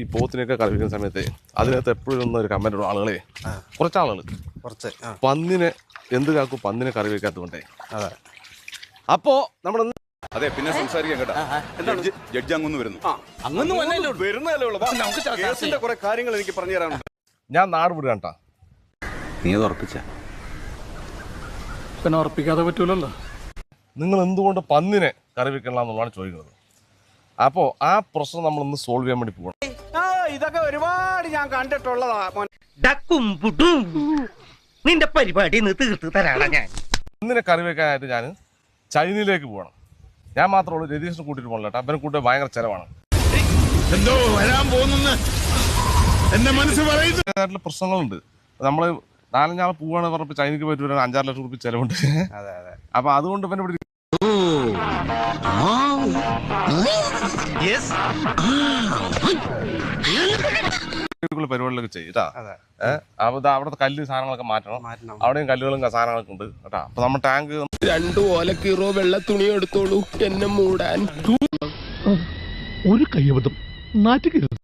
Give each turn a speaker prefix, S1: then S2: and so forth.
S1: ഈ പോത്തിനൊക്കെ കറി വെക്കുന്ന സമയത്ത് അതിനകത്ത് എപ്പോഴും ഒരു കമന്റ് ഉള്ള ആളുകളെ കുറച്ചാളുകൾ പന്നിനെ എന്ത് കാക്കും പന്നിനെ കറി വെക്കാത്തതുകൊണ്ടേ. അപ്പോ നമ്മൾ
S2: അതെ പിന്നെ സംസാരിക്കാൻ കേട്ടോ. ജഡ്ജി അങ്ങൊന്ന് വരുന്നു. വരുന്നതല്ലേ കുറെ കാര്യങ്ങൾ എനിക്ക് പറഞ്ഞു തരാനുണ്ട്.
S1: ഞാൻ നാട് വിടുക കേട്ടാ.
S2: നീ അത് ഉറപ്പിച്ച
S3: പിന്നെ ഉറപ്പിക്കാതെ പറ്റൂലല്ലോ.
S1: നിങ്ങൾ എന്തുകൊണ്ട് പന്നിനെ കറി വെക്കണം എന്നുള്ളതാണ് ചോദിക്കുന്നത്. അപ്പോൾ ആ പ്രശ്നം നമ്മളൊന്ന് സോൾവ് ചെയ്യാൻ വേണ്ടി പോകണം.
S4: ഇതൊക്കെ ഒരുപാട് ഞാൻ കണ്ടിട്ടുള്ളതാ.
S5: നിന്റെ പരിപാടി തീർത്ത് തരാണ് ഞാൻ.
S1: പന്നിനെ കറി വെക്കാനായിട്ട് ഞാൻ ചൈനയിലേക്ക് പോകണം. ഞാൻ മാത്രമേ രതീഷിനെ കൂട്ടിയിട്ട് പോകണം കേട്ടോ. അവനെ കൂട്ടി ഭയങ്കര ചിലവാണ്.
S6: എന്തോ വരാൻ പോകുന്നെന്ന് എന്റെ മനസ്സ് പറയുന്നു.
S1: പ്രശ്നങ്ങളുണ്ട്. നമ്മൾ 4-5 ആൾ പോവാണ് പറഞ്ഞപ്പോൾ ചൈനയ്ക്ക് പോയിട്ട് വരാൻ 5-6 ലക്ഷം രൂപ ചിലവുണ്ട്. അപ്പൊ അതുകൊണ്ട് പിന്നെ ഇവിടെ പരിപാടികളൊക്കെ ചെയ്യട്ടാ. അവിടുത്തെ കല്ല് സാധനങ്ങളൊക്കെ മാറ്റണം. അവിടെയും കല്ലുകളും സാധനങ്ങളൊക്കെ ഉണ്ട് കേട്ടാ. അപ്പൊ നമ്മൾ ടാങ്ക്
S6: 2 ഓലക്കീറോ വെള്ള തുണി എടുത്തോളൂ എന്നെ മൂടാൻ.
S3: ഒരു കയ്യബദ്ധം നാറ്റുകരുത്.